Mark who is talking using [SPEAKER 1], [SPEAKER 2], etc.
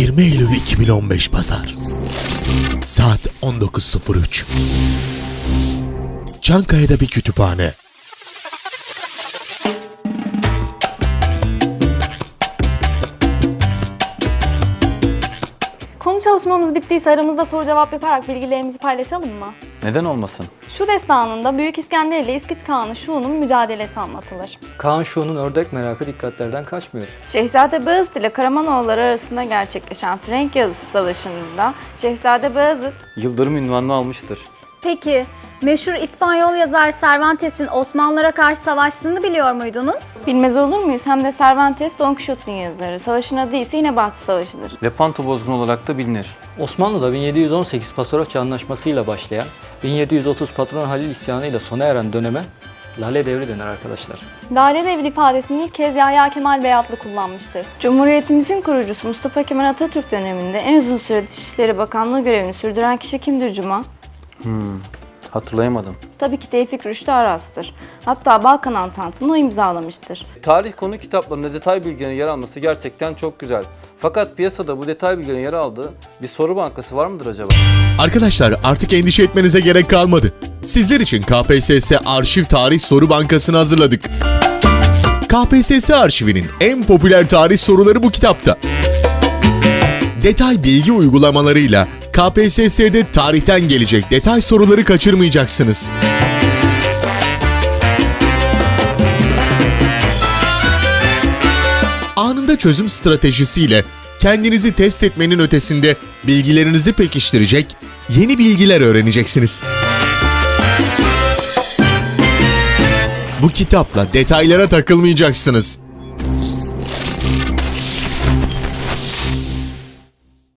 [SPEAKER 1] 20 Eylül 2015 Pazar. Saat 19.03. Çankaya'da bir kütüphane.
[SPEAKER 2] Konu çalışmamız bittiyse aramızda soru cevap yaparak bilgilerimizi paylaşalım mı?
[SPEAKER 3] Neden olmasın?
[SPEAKER 2] Şu destanında Büyük İskender ile İskit Kağan'ı Şu'nun mücadelesi anlatılır.
[SPEAKER 4] Kaan Şu'nun ördek merakı dikkatlerden kaçmıyor.
[SPEAKER 5] Şehzade Bayezid ile Karamanoğulları arasında gerçekleşen Frenk Yazısı Savaşı'nda Şehzade Bayezid
[SPEAKER 3] Yıldırım ünvanını almıştır.
[SPEAKER 6] Peki, meşhur İspanyol yazar Cervantes'in Osmanlılara karşı savaştığını biliyor muydunuz?
[SPEAKER 5] bilmez olur muyuz? Hem de Cervantes Don Quixote'un yazarı. Savaşın adı ise yine Batı Savaşı'dır.
[SPEAKER 3] Lepanto bozgunu olarak da bilinir.
[SPEAKER 4] Osmanlı'da 1718 Pasarofça Anlaşması'yla başlayan, 1730 Patron Halil isyanıyla sona eren döneme Lale Devri denir arkadaşlar.
[SPEAKER 2] Lale Devri ifadesini ilk kez Yahya Kemal Beyatlı kullanmıştır.
[SPEAKER 5] Cumhuriyetimizin kurucusu Mustafa Kemal Atatürk döneminde en uzun süre Dışişleri Bakanlığı görevini sürdüren kişi kimdir Cuma?
[SPEAKER 3] Hatırlayamadım.
[SPEAKER 5] Tabii ki Tevfik Rüştü Aras'tır. Hatta Balkan Antantı'nı o imzalamıştır.
[SPEAKER 3] Tarih konu kitaplarında detay bilgilerin yer alması gerçekten çok güzel. Fakat piyasada bu detay bilgilerin yer aldığı bir soru bankası var mıdır acaba?
[SPEAKER 1] Arkadaşlar artık endişe etmenize gerek kalmadı. Sizler için KPSS Arşiv Tarih Soru Bankası'nı hazırladık. KPSS arşivinin en popüler tarih soruları bu kitapta. Detay bilgi uygulamalarıyla KPSS'de tarihten gelecek detay soruları kaçırmayacaksınız. Anında çözüm stratejisiyle kendinizi test etmenin ötesinde bilgilerinizi pekiştirecek yeni bilgiler öğreneceksiniz. Bu kitapla detaylara takılmayacaksınız.